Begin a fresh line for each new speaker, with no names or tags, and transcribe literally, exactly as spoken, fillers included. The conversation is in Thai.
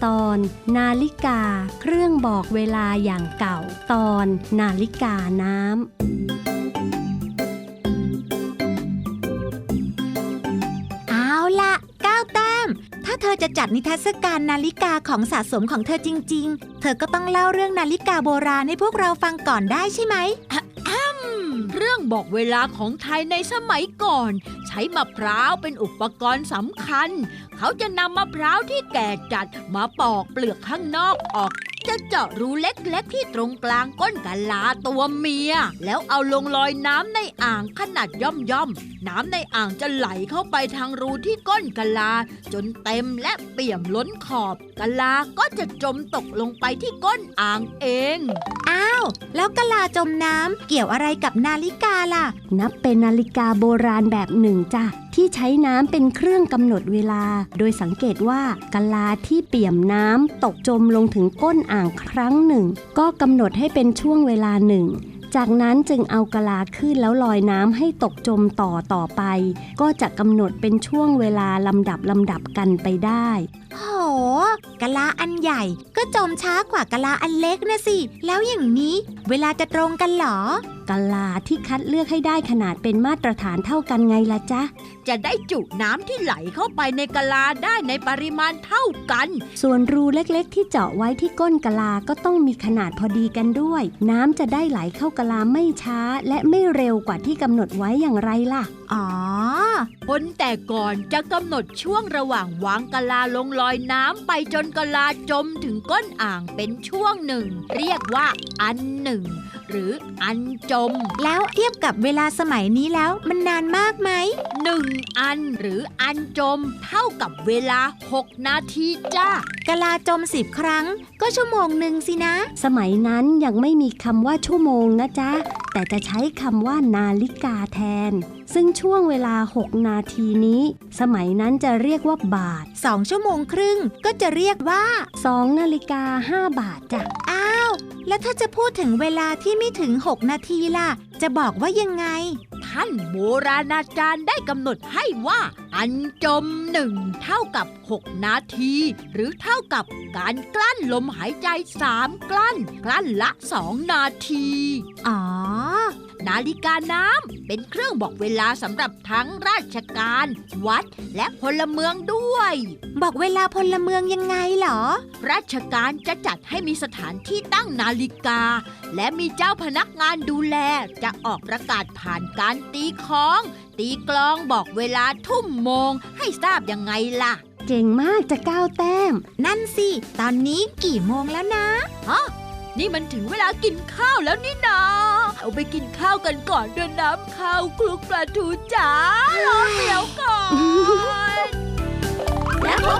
ตอนนาฬิกาเครื่องบอกเวลาอย่างเก่าตอนนาฬิกาน้ำ
เอาล่ะเก้าแต้มถ้าเธอจะจัดนิทรรศการนาฬิกาของสะสมของเธอจริงๆเธอก็ต้องเล่าเรื่องนาฬิกาโบราณให้พวกเราฟังก่อนได้ใช่ไหม
เรื่องบอกเวลาของไทยในสมัยก่อนใช้มะพร้าวเป็นอุปกรณ์สำคัญเขาจะนำมะพร้าวที่แก่จัดมาปอกเปลือกข้างนอกออกจะเจาะรูเล็กๆที่ตรงกลางก้นกะลาตัวเมียแล้วเอาลงลอยน้ำในอ่างขนาดย่อมๆน้ำในอ่างจะไหลเข้าไปทางรูที่ก้นกะลาจนเต็มและเปี่ยมล้นขอบกะลาก็จะจมตกลงไปที่ก้นอ่างเอง
อ้าวแล้วกะลาจมน้ำเกี่ยวอะไรกับนาฬิกาล่ะ
นับเป็นนาฬิกาโบราณแบบหนึ่งจ้ะที่ใช้น้ำเป็นเครื่องกำหนดเวลาโดยสังเกตว่ากะลาที่เปี่ยมน้ำตกจมลงถึงก้นอ่างครั้งหนึ่งก็กำหนดให้เป็นช่วงเวลาหนึ่งจากนั้นจึงเอากะลาขึ้นแล้วลอยน้ำให้ตกจมต่อต่อไปก็จะกำหนดเป็นช่วงเวลาลำดับลำดับกันไปได้
โหกะลาอันใหญ่ก็จมช้ากว่ากะลาอันเล็กนะสิแล้วอย่างนี้เวลาจะตรงกันเหรอก
ะลาที่คัดเลือกให้ได้ขนาดเป็นมาตรฐานเท่ากันไงล่ะจ๊ะ
จะได้จุน้ำที่ไหลเข้าไปในกะลาได้ในปริมาณเท่ากัน
ส่วนรูเล็กๆที่เจาะไว้ที่ก้นกะลาก็ต้องมีขนาดพอดีกันด้วยน้ำจะได้ไหลเข้ากะลาไม่ช้าและไม่เร็วกว่าที่กำหนดไว้อย่างไรล่ะ
อ๋อ
คนแต่ก่อนจะกำหนดช่วงระหว่างวางกะลาลงลอยน้ำไปจนกะลาจมถึงก้นอ่างเป็นช่วงหนึ่งเรียกว่าอันหนึ่งหรืออันจม
แล้วเทียบกับเวลาสมัยนี้แล้วมันนานมากไหม
หนึ่งอันหรืออันจมเท่ากับเวลาหกนาทีจ้าก
ะลาจมสิบครั้งก็ชั่วโมงหนึ่งสินะ
สมัยนั้นยังไม่มีคำว่าชั่วโมงนะจ๊ะแต่จะใช้คำว่านาฬิกาแทนซึ่งช่วงเวลาหกนาทีนี้สมัยนั้นจะเรียกว่าบาท
สองชั่วโมงครึ่งก็จะเรียกว่า
สองนาฬิกาห้าบาทจ้ะ
อ้าวแล้วถ้าจะพูดถึงเวลาที่ไม่ถึงหกนาทีล่ะจะบอกว่ายังไง
ท่านโบราณอาจารย์ได้กำหนดให้ว่าอันจมหนึ่งเท่ากับหกนาทีหรือเท่ากับการกลั้นลมหายใจสามกลั้นกลั้นละสองนาที
อ๋อ
นาฬิกาน้ำเป็นเครื่องบอกเวลาสำหรับทั้งราชการวัดและพลเมืองด้วย
บอกเวลาพลเมืองยังไงเหรอ
ราชการจะจัดให้มีสถานที่ตั้งนาฬิกาและมีเจ้าพนักงานดูแลจะออกประกาศผ่านการตีค้องตีกลองบอกเวลาทุ่มโมงให้ทราบยังไงล่ะ
เก่งมากจะก้าวแต้ม
นั่นสิตอนนี้กี่โมงแล้วนะ
ฮะนี่มันถึงเวลากินข้าวแล้วนี่นาเอาไปกินข้าวกันก่อนเดินน้ำข้าวคลุกปลาทูจ๋ารอเดี๋ยวก่อนและพบ